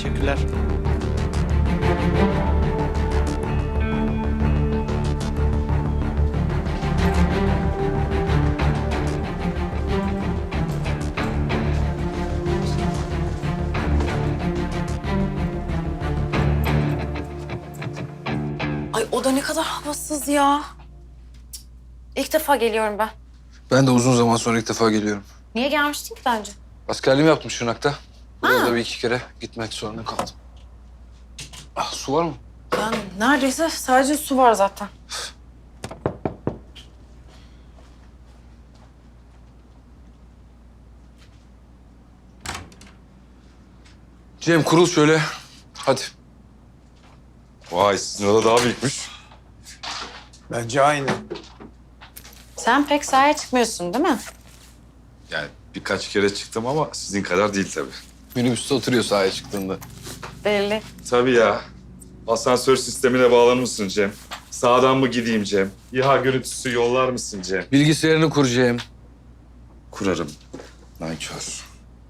Teşekkürler. Ay o da ne kadar havasız ya. İlk defa geliyorum ben. Ben de uzun zaman sonra ilk defa geliyorum. Niye gelmiştin ki daha önce? Askerliğimi yaptım Şırnak'ta. Buraya da bir iki kere gitmek zorunda kaldım. Ah, su var mı? Yani neredeyse sadece su var zaten. Cem kurul şöyle. Hadi. Vay sizin oda daha büyükmüş. Bence aynı. Sen pek sahaya çıkmıyorsun değil mi? Yani birkaç kere çıktım ama sizin kadar değil tabii. Minibüste oturuyor sahaya çıktığında. Belli. Tabii ya. Asansör sistemine bağlanır mısın Cem? Sağdan mı gideyim Cem? İHA görüntüsü yollar mısın Cem? Bilgisayarını kur Cem. Kurarım. Nankör.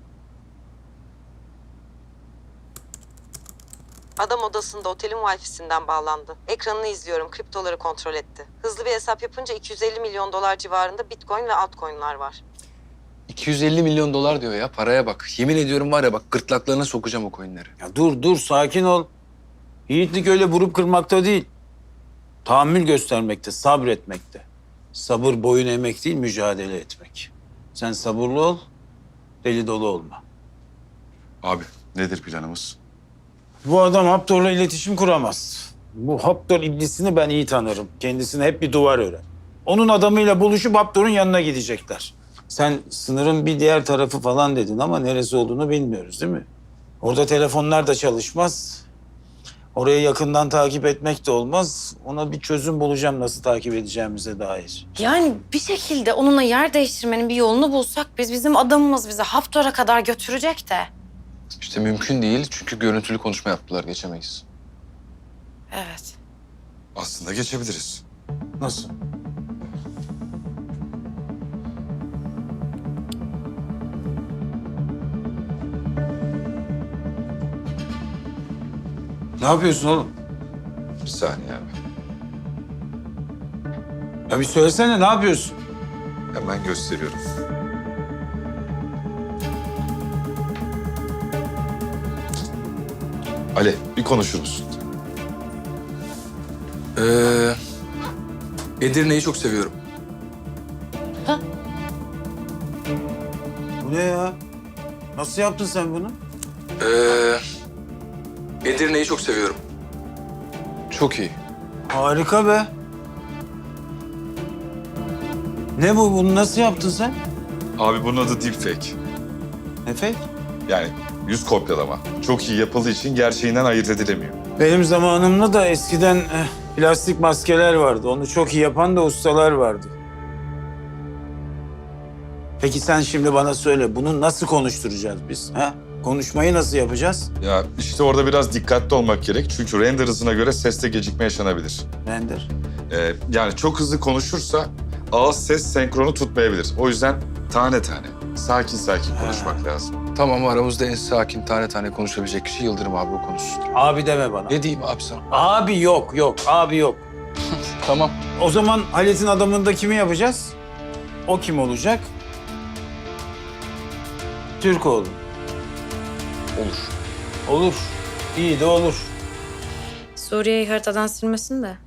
Adam odasında otelin Wi-Fi'sinden bağlandı. Ekranını izliyorum, kriptoları kontrol etti. Hızlı bir hesap yapınca 250 milyon dolar civarında Bitcoin ve altcoin'lar var. 250 milyon dolar diyor ya. Paraya bak. Yemin ediyorum var ya bak gırtlaklarına sokacağım o coinleri. Ya dur sakin ol. Yiğitlik öyle vurup kırmakta değil. Tahammül göstermekte, sabretmekte. Sabır boyun eğmek değil, mücadele etmek. Sen sabırlı ol, deli dolu olma. Abi nedir planımız? Bu adam Haptor'la iletişim kuramaz. Bu Haptor iblisini ben iyi tanırım. Kendisine hep bir duvar örer. Onun adamıyla buluşup Haptor'un yanına gidecekler. Sen sınırın bir diğer tarafı falan dedin ama neresi olduğunu bilmiyoruz değil mi? Orada telefonlar da çalışmaz. Orayı yakından takip etmek de olmaz. Ona bir çözüm bulacağım nasıl takip edeceğimize dair. Yani bir şekilde onunla yer değiştirmenin bir yolunu bulsak bizim adamımız bizi Haftor'a kadar götürecek de. İşte mümkün değil çünkü görüntülü konuşma yaptılar geçemeyiz. Evet. Aslında geçebiliriz. Nasıl? Ne yapıyorsun oğlum? Bir saniye abi. Ya bir söylesene ne yapıyorsun? Hemen gösteriyorum. Ali bir konuşur musun? Edirne'yi çok seviyorum. Bu ne ya? Nasıl yaptın sen bunu? Edirne'yi çok seviyorum. Çok iyi. Harika be. Ne bu? Bunu nasıl yaptın sen? Abi bunun adı deepfake. Efe? Yani yüz kopyalama. Çok iyi yapıldığı için gerçeğinden ayırt edilemiyor. Benim zamanımda da eskiden plastik maskeler vardı. Onu çok iyi yapan da ustalar vardı. Peki sen şimdi bana söyle, bunu nasıl konuşturacağız biz? Ha? Konuşmayı nasıl yapacağız? Ya işte orada biraz dikkatli olmak gerek. Çünkü render hızına göre seste gecikme yaşanabilir. Render. Yani çok hızlı konuşursa ağız ses senkronu tutmayabilir. O yüzden tane tane, sakin sakin konuşmak lazım. Tamam aramızda en sakin tane tane konuşabilecek kişi Yıldırım abi o konuşsun. Abi deme bana. Ne diyeyim abi sana? Abi yok, abi yok. Tamam. O zaman Halit'in adamında kimi yapacağız? O kim olacak? Türkoğlu. Olur. Olur. İyi de olur. Suriye'yi haritadan silmesin de.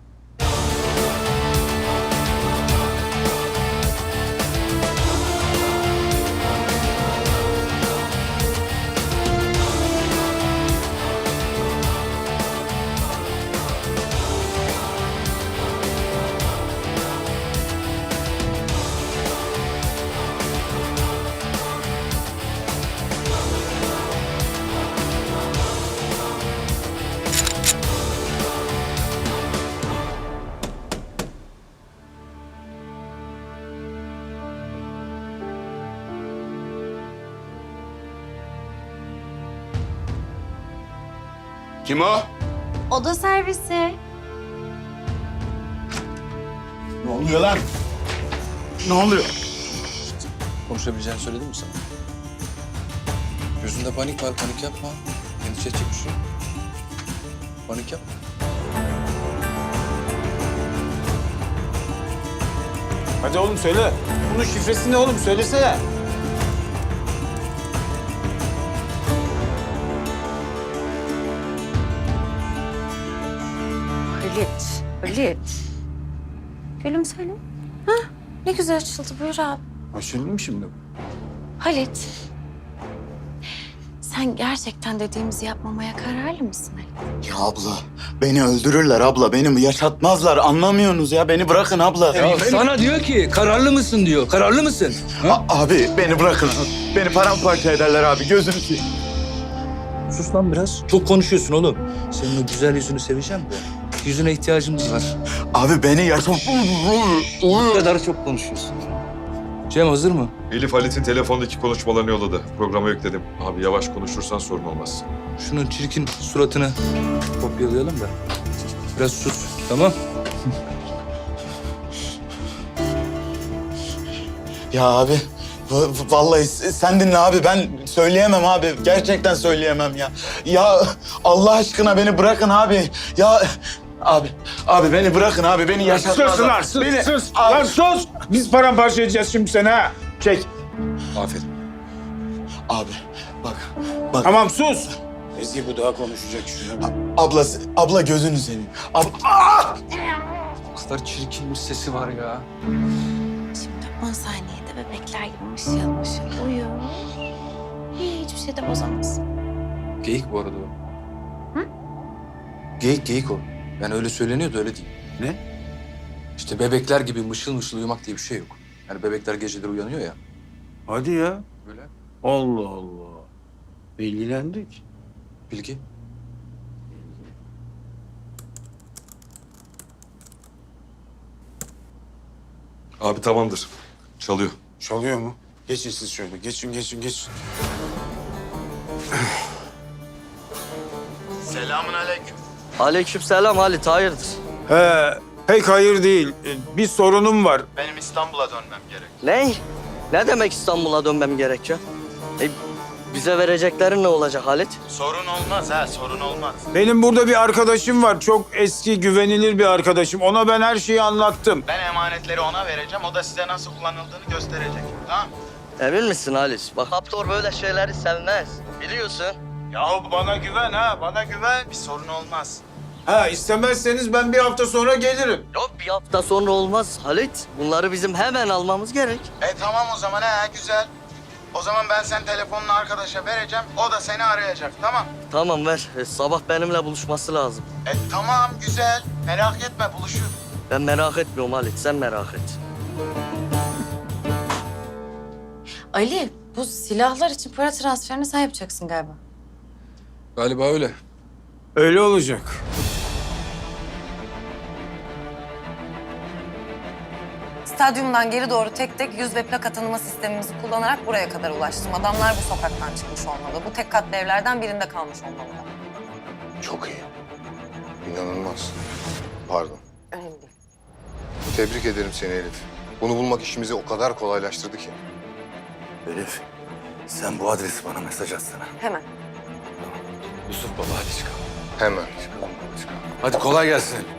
Kim o? Oda servisi. Ne oluyor lan? Ne oluyor? Konuşabileceğini söyledim mi sana? Gözünde panik var, panik yapma. Endişe edecek bir şey yok. Panik yapma. Hadi oğlum söyle. Bunun şifresi ne oğlum? Söylesene. Halit, Halit. Gülüm söyle. Ha, ne güzel açıldı. Buyur abi. Açıldı mı şimdi? Halit. Sen gerçekten dediğimizi yapmamaya kararlı mısın Halit? Ya abla, beni öldürürler abla. Beni yaşatmazlar. Anlamıyorsunuz ya. Beni bırakın abla. Ya sana diyor ki kararlı mısın diyor. Kararlı mısın? Ha? Abi beni bırakın. Beni paramparça ederler abi. Gözünü seveyim. Sus lan biraz. Çok konuşuyorsun oğlum. Senin o güzel yüzünü seveceğim de. Yüzüne ihtiyacımız var. Abi beni yaşat... O kadar çok konuşuyorsun. Cem hazır mı? Elif Halit'in telefondaki konuşmalarını yolladı. Programa yükledim. Abi yavaş konuşursan sorun olmaz. Şunun çirkin suratını kopyalayalım da. Biraz sus, tamam? Ya abi, vallahi sen dinle abi. Ben söyleyemem abi. Gerçekten söyleyemem ya. Ya Allah aşkına beni bırakın abi. Ya... Abi beni bırakın abi. Beni yaşatmazlar. Sus lan, sus, Beni... sus. Abi. Lan sus. Biz paramparça edeceğiz şimdi seni ha. Çek. Aferin. Abi bak. Tamam sus. Ezgi bu daha konuşacak şuna bak. Abla gözünü seveyim. O kadar çirkin bir sesi var ya. Şimdi 10 saniyede bebekler gibi mışıl mışıl uyu. Hiçbir şey de bozamaz. Geyik bu arada o. Hı? Geyik o. Yani öyle söyleniyor da öyle değil. Ne? İşte bebekler gibi mışıl mışıl uyumak diye bir şey yok. Yani bebekler geceleri uyanıyor ya. Hadi ya. Böyle. Allah Allah. Bilgilendik. Bilgi. Abi tamamdır. Çalıyor. Çalıyor mu? Geçin siz şöyle. Geçin. Selamünaleyküm. Aleykümselam Halit, hayırdır? Pek hayır değil. Bir sorunum var. Benim İstanbul'a dönmem gerek. Ne? Ne demek İstanbul'a dönmem gerekiyor? Bize vereceklerin ne olacak Halit? Sorun olmaz ha, sorun olmaz. Benim burada bir arkadaşım var. Çok eski, güvenilir bir arkadaşım. Ona ben her şeyi anlattım. Ben emanetleri ona vereceğim, o da size nasıl kullanıldığını gösterecek. Tamam? Emin misin Halit? Bak Haptor böyle şeyleri sevmez. Biliyorsun. Yahu bana güven ha, bana güven. Bir sorun olmaz. Ha istemezseniz ben bir hafta sonra gelirim. Yok bir hafta sonra olmaz Halit. Bunları bizim hemen almamız gerek. Tamam o zaman güzel. O zaman ben sen telefonunu arkadaşa vereceğim, o da seni arayacak, tamam? Tamam ver. Sabah benimle buluşması lazım. Tamam, güzel. Merak etme, buluşur. Ben merak etmiyorum Halit, sen merak et. Ali, bu silahlar için para transferini sen yapacaksın galiba. Galiba öyle. Öyle olacak. Stadyumdan geri doğru tek tek yüz ve plaka tanıma sistemimizi kullanarak buraya kadar ulaştım. Adamlar bu sokaktan çıkmış olmalı. Bu tek katlı evlerden birinde kalmış olmalılar. Çok iyi. İnanılmaz. Pardon. Önemli değil. Tebrik ederim seni Elif. Bunu bulmak işimizi o kadar kolaylaştırdı ki. Elif, sen bu adresi bana mesaj atsana. Hemen. Yusuf baba hadi çıkalım. Hemen. Hadi kolay gelsin.